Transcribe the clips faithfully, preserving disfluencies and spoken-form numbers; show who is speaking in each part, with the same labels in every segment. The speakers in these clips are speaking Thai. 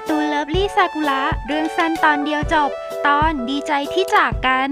Speaker 1: การ์ตูนเลิฟลี่ซากุระเรื่องสั้นตอนเดียวจบตอนดีใจที่จากกัน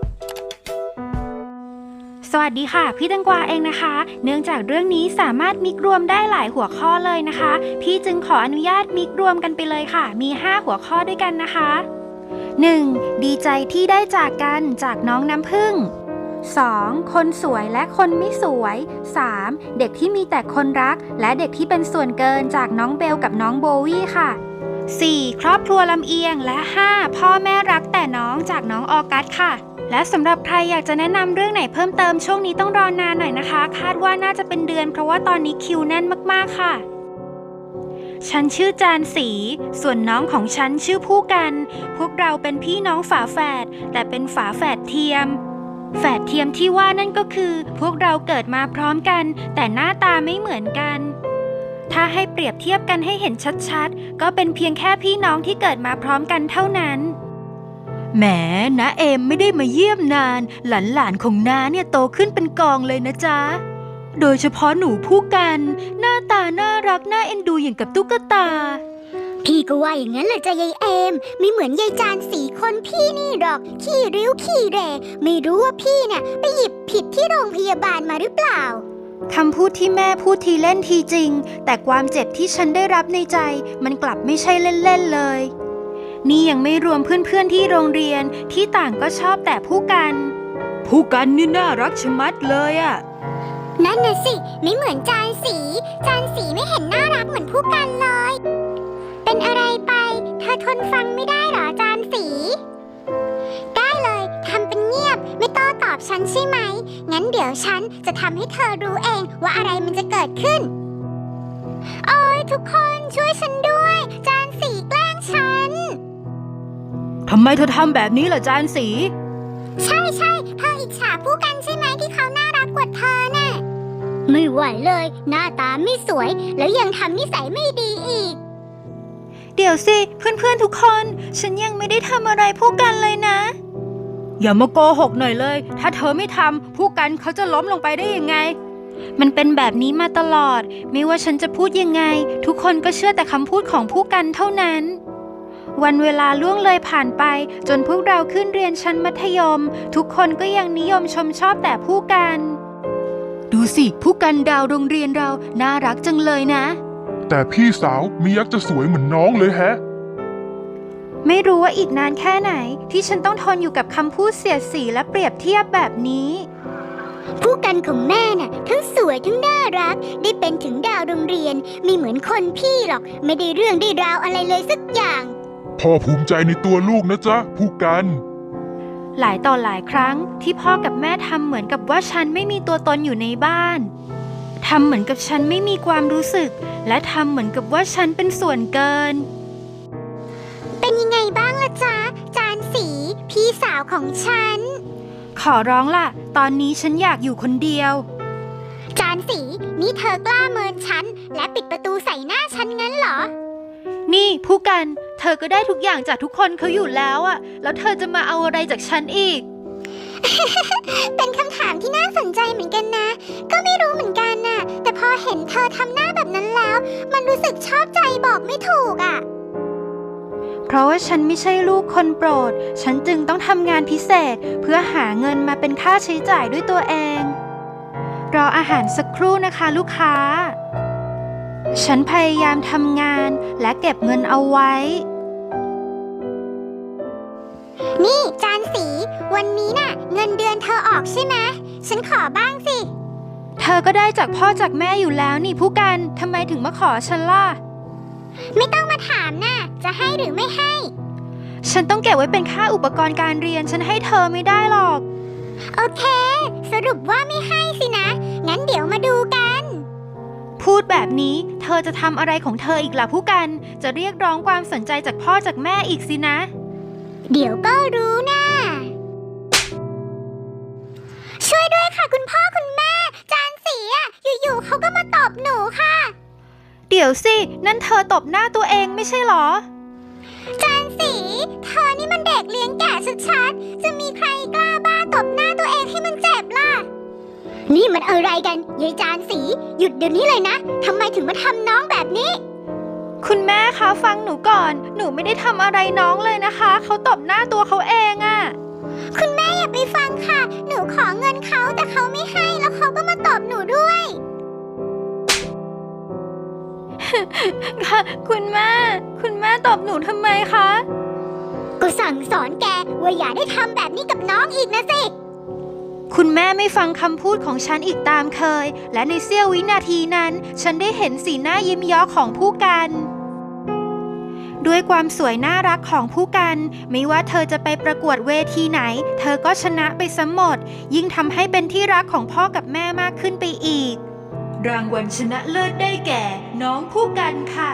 Speaker 1: สวัสดีค่ะพี่ตังกวาเองนะคะเนื่องจากเรื่องนี้สามารถมิกรวมได้หลายหัวข้อเลยนะคะพี่จึงขออนุญาตมิกรวมกันไปเลยค่ะมีห้าหัวข้อด้วยกันนะคะ หนึ่ง. ดีใจที่ได้จากกันจากน้องน้ำผึ้ง สอง. คนสวยและคนไม่สวย สาม. เด็กที่มีแต่คนรักและเด็กที่เป็นส่วนเกินจากน้องเบลกับน้องโบวี่ค่ะ สี่. ครอบครัวลำเอียงและ ห้า. พ่อแม่รักแต่น้องจากน้องออกัสค่ะและสำหรับใครอยากจะแนะนำเรื่องไหนเพิ่มเติมช่วงนี้ต้องรอนานหน่อยนะคะคาดว่าน่าจะเป็นเดือนเพราะว่าตอนนี้คิวแน่นมากๆค่ะฉันชื่อจานสีส่วนน้องของฉันชื่อผู้กันพวกเราเป็นพี่น้องฝาแฝดแต่เป็นฝาแฝดเทียมแฝดเทียมที่ว่านั่นก็คือพวกเราเกิดมาพร้อมกันแต่หน้าตาไม่เหมือนกันถ้าให้เปรียบเทียบกันให้เห็นชัดๆก็เป็นเพียงแค่พี่น้องที่เกิดมาพร้อมกันเท่านั้นแหมน้าเอมไม่ได้มาเยี่ยมนานหลานๆของน้าเนี่ยโตขึ้นเป็นกองเลยนะจ๊ะโดยเฉพาะหนูผู้กันหน้าตาน่ารักน่าเอ็นดูอย่างกับตุ๊กตา
Speaker 2: พี่ก็ว่าอย่างนั้นแหละจ้ะยายเอมไม่เหมือนยายจานสีคนพี่นี่หรอกขี้ริ้วขี้เรไม่รู้ว่าพี่เนี่ยไปหยิบผิดที่โรงพยาบาลมาหรือเปล่า
Speaker 1: คำพูดที่แม่พูดทีเล่นทีจริงแต่ความเจ็บที่ฉันได้รับในใจมันกลับไม่ใช่เล่นๆเลยนี่ยังไม่รวมเพื่อนๆที่โรงเรียนที่ต่างก็ชอบแต่ผู้กันผู้กันนี่น่ารักชะมัดเลยอะ
Speaker 2: นั่นน่ะสิไม่เหมือนจานสีจานสีไม่เห็นน่ารักเหมือนผู้กันเลยเป็นอะไรไปเธอทนฟังไม่ได้หรอจานสีได้เลยทำเป็นเงียบไม่โต้ตอบฉันใช่ไหมงั้นเดี๋ยวฉันจะทำให้เธอรู้เองว่าอะไรมันจะเกิดขึ้นโอ้ยทุกคนช่วยฉันด้วยจานสีแกล้งฉัน
Speaker 1: ทำไมเธอทำแบบนี้ล่ะจานสี
Speaker 2: ใช่ใช่เธออิจฉาผู้กันใช่ไหมที่เขาน่ารักกว่าเธอน่ะไม่ไหวเลยหน้าตาไม่สวยแล้วยังทำนิสัยไม่ดีอีก
Speaker 1: เดี๋ยวสิเพื่อนๆทุกคนฉันยังไม่ได้ทำอะไรผู้กันเลยนะอย่ามาโกหกหน่อยเลยถ้าเธอไม่ทำผู้กันเขาจะล้มลงไปได้ยังไงมันเป็นแบบนี้มาตลอดไม่ว่าฉันจะพูดยังไงทุกคนก็เชื่อแต่คำพูดของผู้กันเท่านั้นวันเวลาล่วงเลยผ่านไปจนพวกเราขึ้นเรียนชั้นมัธยมทุกคนก็ยังนิยมชมชอบแต่ผู้กันดูสิผู้กันดาวโรงเรียนเราน่ารักจังเลยนะ
Speaker 3: แต่พี่สาวมียักษ์จะสวยเหมือนน้องเลยแฮะ
Speaker 1: ไม่รู้ว่าอีกนานแค่ไหนที่ฉันต้องทนอยู่กับคำพูดเสียดสีและเปรียบเทียบแบบนี้
Speaker 2: ผู้กันของแม่น่ะทั้งสวยทั้งน่ารักได้เป็นถึงดาวโรงเรียนไม่เหมือนคนพี่หรอกไม่ได้เรื่องได้ราวอะไรเลยสักอย่าง
Speaker 3: พ่อภูมิใจในตัวลูกนะจ๊ะผู้กัน
Speaker 1: หลายต่อหลายครั้งที่พ่อกับแม่ทำเหมือนกับว่าฉันไม่มีตัวตนอยู่ในบ้านทำเหมือนกับฉันไม่มีความรู้สึกและทำเหมือนกับว่าฉันเป็นส่วนเกิน
Speaker 2: เป็นยังไงบ้างล่ะจ๊ะจานสีพี่สาวของฉัน
Speaker 1: ขอร้องล่ะตอนนี้ฉันอยากอยู่คนเดียว
Speaker 2: จานสีนี่เธอกล้าเมินฉันและปิดประตูใส่หน้าฉันงั้นเหรอ
Speaker 1: นี่ผู้กันเธอก็ได้ทุกอย่างจากทุกคนเขาอยู่แล้วอะแล้วเธอจะมาเอาอะไรจากฉันอีก
Speaker 2: เป็นคำถามที่น่าสนใจเหมือนกันนะก็ไม่รู้เหมือนกันน่ะแต่พอเห็นเธอทำหน้าแบบนั้นแล้วมันรู้สึกชอบใจบอกไม่ถูกอะ
Speaker 1: เพราะว่าฉันไม่ใช่ลูกคนโปรดฉันจึงต้องทำงานพิเศษเพื่อหาเงินมาเป็นค่าใช้จ่ายด้วยตัวเองรออาหารสักครู่นะคะลูกค้าฉันพยายามทำงานและเก็บเงินเอาไว้
Speaker 2: นี่จานสีวันนี้น่ะเงินเดือนเธอออกใช่ไหมฉันขอบ้างสิ
Speaker 1: เธอก็ได้จากพ่อจากแม่อยู่แล้วนี่ผู้กันทำไมถึงมาขอฉันล่ะ
Speaker 2: ไม่ต้องมาถามน่ะจะให้หรือไม่ให้
Speaker 1: ฉันต้องเก็บไว้เป็นค่าอุปกรณ์การเรียนฉันให้เธอไม่ได้หรอก
Speaker 2: โอเคสรุปว่าไม่ให้สินะงั้นเดี๋ยวมาดูกัน
Speaker 1: พูดแบบนี้เธอจะทำอะไรของเธออีกล่ะผู้กันจะเรียกร้องความสนใจจากพ่อจากแม่อีกสินะ
Speaker 2: เดี๋ยวก็รู้นะช่วยด้วยค่ะคุณพ่อคุณแม่จานสีอะอยู่ๆเขาก็มาตบหนูค่ะ
Speaker 1: เดี๋ยวสินั่นเธอตบหน้าตัวเองไม่ใช่หรอ
Speaker 2: จานสีเธอนี่มันเด็กเลี้ยงแก่ชัดๆจะมีใครกล้าบ้าตบหน้าตัวเองให้มันเจ็บล่ะนี่มันอะไรกันยายจานสีหยุดเดี๋ยวนี้เลยนะทำไมถึงมาทำน้องแบบนี้
Speaker 1: คุณแม่คะฟังหนูก่อน หนูไม่ได้ทำอะไรน้องเลยนะคะ เขาตบหน้าตัวเขาเองอะ
Speaker 2: คุณแม่อย่าไปฟังค่ะ หนูขอเงินเขาแต่เขาไม่ให้แล้วเขาก็มาตบหนูด้วย
Speaker 1: ค่ะคุณแม่ คุณแม่ตบหนูทำไมคะ
Speaker 2: กูสั่งสอนแกว่าอย่าได้ทำแบบนี้กับน้องอีกนะสิ
Speaker 1: คุณแม่ไม่ฟังคำพูดของฉันอีกตามเคย และในเสี้ยววินาทีนั้น ฉันได้เห็นสีหน้ายิ้มเย้อของผู้กัน ด้วยความสวยน่ารักของผู้กัน ไม่ว่าเธอจะไปประกวดเวทีไหน เธอก็ชนะไปซะหมด ยิ่งทำให้เป็นที่รักของพ่อกับแม่มากขึ้นไปอีก รางวัลชนะเลิศได้แก่ น้องผู้กันค่ะ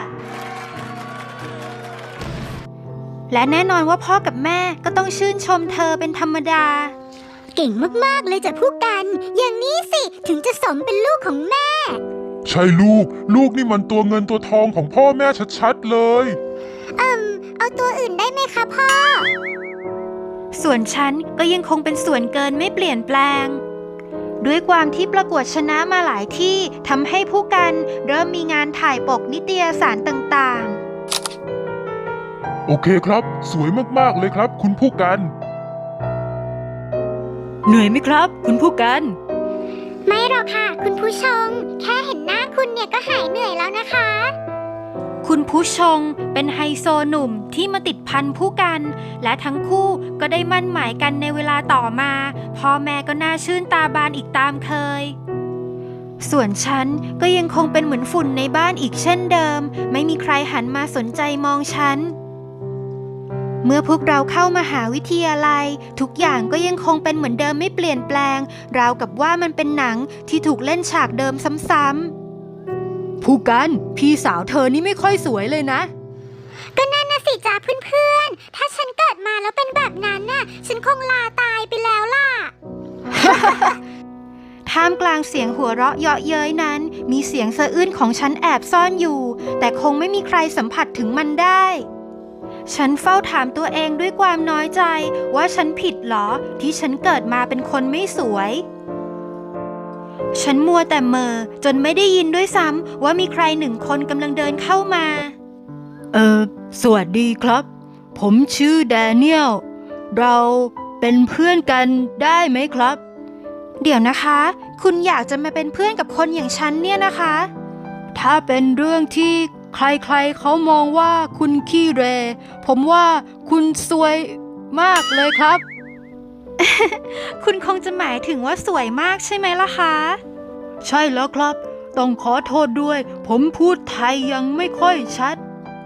Speaker 1: และแน่นอนว่าพ่อกับแม่ก็ต้องชื่นชมเธอเป็นธรรมดา
Speaker 2: เก่งมากๆเลยจ้ะผู้กัน อย่างนี้สิถึงจะสมเป็นลูกของแม่
Speaker 3: ใช่ลูก ลูกนี่มันตัวเงินตัวทองของพ่อแม่ชัดๆเลย
Speaker 2: เอิมเอาตัวอื่นได้ไหมคะพ่อ
Speaker 1: ส่วนฉันก็ยังคงเป็นส่วนเกินไม่เปลี่ยนแปลง ด้วยความที่ประกวดชนะมาหลายที่ทำให้ผู้กันเริ่มมีงานถ่ายปกนิตยสารต่างๆ
Speaker 3: โอเคครับ สวยมากๆเลยครับ คุณผู้กัน
Speaker 1: เหนื่อยไหมครับ คุณผู้กัน
Speaker 2: ไม่หรอกค่ะ คุณผู้ชม แค่เห็นหน้าคุณเนี่ยก็หายเหนื่อยแล้วนะคะ
Speaker 1: คุณผู้ชงเป็นไฮโซหนุ่มที่มาติดพันผู้กัน และทั้งคู่ก็ได้มั่นหมายกันในเวลาต่อมาพ่อแม่ก็น่าชื่นตาบานอีกตามเคย ส่วนฉันก็ยังคงเป็นเหมือนฝุ่นในบ้านอีกเช่นเดิม ไม่มีใครหันมาสนใจมองฉัน เมื่อพวกเราเข้ามหาวิทยาลัยทุกอย่างก็ยังคงเป็นเหมือนเดิมไม่เปลี่ยนแปลงราวกับว่ามันเป็นหนังที่ถูกเล่นฉากเดิมซ้ำๆผู้กันพี่สาวเธอนี่ไม่ค่อยสวยเลยนะ
Speaker 2: ก็นั่นนะสิจ้าเพื่อนๆ ถ้าฉันเกิดมาแล้วเป็นแบบนั้นน่ะ ฉันคงลาตายไปแล้วล่ะ
Speaker 1: ท่ามกลางเสียงหัวเราะเยาะเย้ยนั้น มีเสียงสะอื้นของฉันแอบซ่อนอยู่ แต่คงไม่มีใครสัมผัสถึงมันได้ ฉันเฝ้าถามตัวเองด้วยความน้อยใจว่าฉันผิดเหรอที่ฉันเกิดมาเป็นคนไม่สวย ฉันมัวแต่เมอจนไม่ได้ยินด้วยซ้ำว่ามีใครหนึ่งคนกำลังเดินเข้ามา เออสวัสดีครับ ผมชื่อแดเนียล เราเป็นเพื่อนกันได้ไหมครับ เดี๋ยวนะคะ คุณอยากจะมาเป็นเพื่อนกับคนอย่างฉันเนี่ยนะคะ ถ้าเป็นเรื่องที่ใครๆเขามองว่าคุณขี้เหร่ ผมว่าคุณซวยมากเลยครับ คุณคงจะหมายถึงว่าสวยมากใช่ไหมล่ะคะ ใช่แล้วครับ ต้องขอโทษด้วย ผมพูดไทยยังไม่ค่อยชัด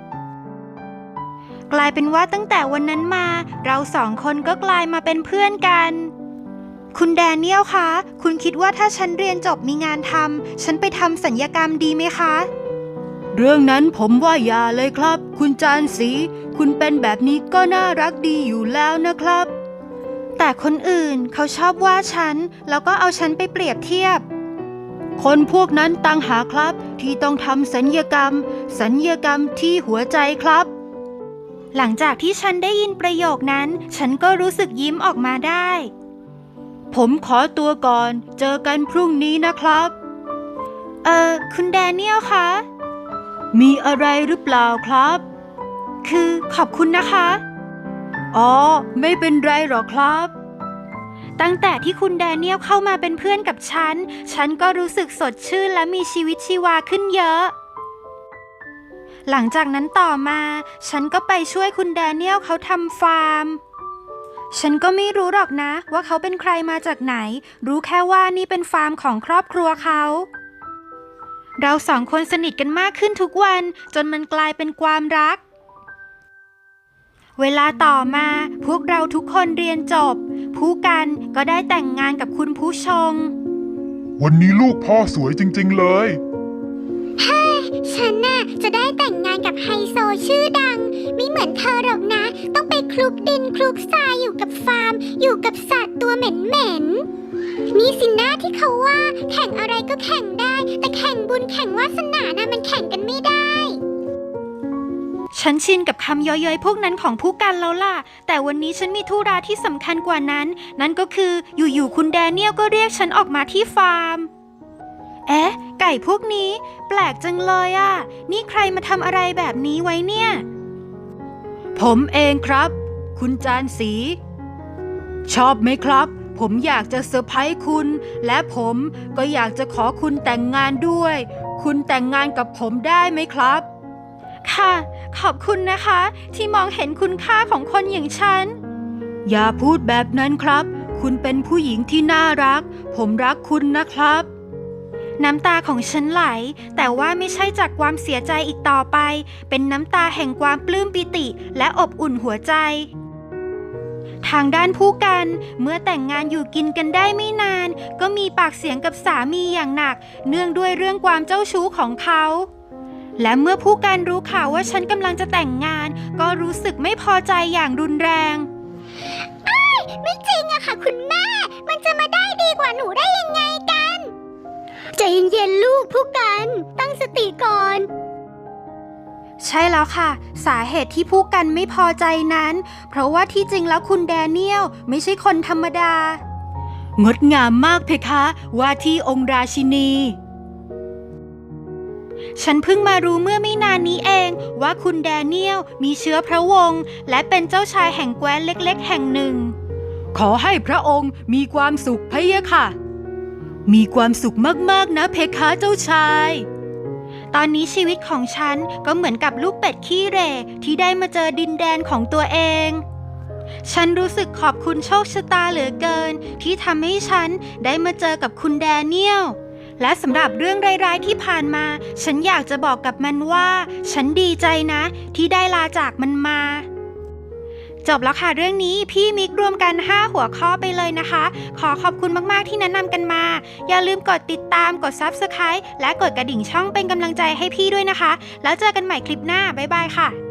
Speaker 1: กลายเป็นว่าตั้งแต่วันนั้นมาเราสองคนก็กลายมาเป็นเพื่อนกัน คุณแดเนียลคะ คุณคิดว่าถ้าฉันเรียนจบมีงานทำฉันไปทำสัญญกรรมดีไหมคะ เรื่องนั้นผมว่าอย่าเลยครับ คุณจานศรีคุณเป็นแบบนี้ก็น่ารักดีอยู่แล้วนะครับ แต่คนอื่นเขาชอบว่าฉันแล้วก็เอาฉันไปเปรียบเทียบ คนพวกนั้นต่างหากครับที่ต้องทำสัญญกรรม สัญญกรรมที่หัวใจครับ หลังจากที่ฉันได้ยินประโยคนั้นฉันก็รู้สึกยิ้มออกมาได้ ผมขอตัวก่อนเจอกันพรุ่งนี้นะครับ เอ่อคุณแดเนียลคะมีอะไรหรือเปล่าครับ คือขอบคุณนะคะ อ๋อไม่เป็นไรหรอกครับ ตั้งแต่ที่คุณแดเนียลเข้ามาเป็นเพื่อนกับฉันฉันก็รู้สึกสดชื่นและมีชีวิตชีวาขึ้นเยอะ หลังจากนั้นต่อมาฉันก็ไปช่วยคุณแดเนียลเขาทำฟาร์ม ฉันก็ไม่รู้หรอกนะว่าเขาเป็นใครมาจากไหน รู้แค่ว่านี่เป็นฟาร์มของครอบครัวเขา เราสองคนสนิทกันมากขึ้นทุกวันจนมันกลายเป็นความรัก เวลาต่อมาพวกเราทุกคนเรียนจบ ผู้กันก็ได้แต่งงานกับคุณผู้ชง
Speaker 3: วันนี้ลูกพ่อสวยจริงๆเลย
Speaker 2: ฉันน่ะจะได้แต่งงานกับไฮโซชื่อดัง ไม่เหมือนเธอหรอกนะ ต้องไปคลุกดินคลุกทรายอยู่กับฟาร์ม อยู่กับสัตว์ตัวเหม็นๆนี่สินะที่เขาว่าแข่งอะไรก็แข่งได้ แต่แข่งบุญแข่งวาสนานะมันแข่งกันไม่ได้
Speaker 1: ฉันชินกับคำเย้ยๆพวกนั้นของผู้กันแล้วล่ะ แต่วันนี้ฉันมีธุระที่สำคัญกว่านั้น นั่นก็คืออยู่ๆคุณแดเนียลก็เรียกฉันออกมาที่ฟาร์มเอ๊ะ ไก่พวกนี้แปลกจังเลยอ่ะ นี่ใครมาทำอะไรแบบนี้ไว้เนี่ย ผมเองครับ คุณจานสี ชอบไหมครับ ผมอยากจะเซอร์ไพรส์คุณ และผมก็อยากจะขอคุณแต่งงานด้วย คุณแต่งงานกับผมได้ไหมครับ ค่ะ ขอบคุณนะคะ ที่มองเห็นคุณค่าของคนอย่างฉัน อย่าพูดแบบนั้นครับ คุณเป็นผู้หญิงที่น่ารัก ผมรักคุณนะครับ น้ำตาของฉันไหล แต่ว่าไม่ใช่จากความเสียใจอีกต่อไป เป็นน้ำตาแห่งความปลื้มปิติและอบอุ่นหัวใจ ทางด้านผู้กันเมื่อแต่งงานอยู่กินกันได้ไม่นาน ก็มีปากเสียงกับสามีอย่างหนัก เนื่องด้วยเรื่องความเจ้าชู้ของเขา และเมื่อผู้กันรู้ข่าวว่าฉันกำลังจะแต่งงาน ก็รู้สึกไม่พอใจอย่างรุนแรง
Speaker 2: ไม่จริงอะค่ะคุณแม่ มันจะมาได้ดีกว่าหนูได้ยังไงกัน ใจเย็นๆลูกผู้กันตั้งสติก่อน
Speaker 1: ใช่แล้วค่ะ สาเหตุที่ผู้กันไม่พอใจนั้น เพราะว่าที่จริงแล้วคุณแดเนียลไม่ใช่คนธรรมดา งดงามมากเพคะว่าที่องค์ราชินี ฉันเพิ่งมารู้เมื่อไม่นานนี้เองว่าคุณแดเนียลมีเชื้อพระวงศ์และเป็นเจ้าชายแห่งแคว้นเล็กๆแห่งหนึ่ง ขอให้พระองค์มีความสุขพะยะค่ะ มีความสุขมากๆนะเพคะเจ้าชาย ตอนนี้ชีวิตของฉันก็เหมือนกับลูกเป็ดขี้เหร่ที่ได้มาเจอดินแดนของตัวเอง ฉันรู้สึกขอบคุณโชคชะตาเหลือเกินที่ทำให้ฉันได้มาเจอกับคุณแดเนียล และสำหรับเรื่องร้ายๆที่ผ่านมา ฉันอยากจะบอกกับมันว่า ฉันดีใจนะที่ได้ลาจากมันมา จบแล้วค่ะเรื่องนี้พี่มิกรวมกันห้าหัวข้อไปเลยนะคะ ขอขอบคุณมากๆที่แนะนำกันมา อย่าลืมกดติดตามกด ซับสไครบ์ และกดกระดิ่งช่องเป็นกำลังใจให้พี่ด้วยนะคะ แล้วเจอกันใหม่คลิปหน้าบ๊ายบายค่ะ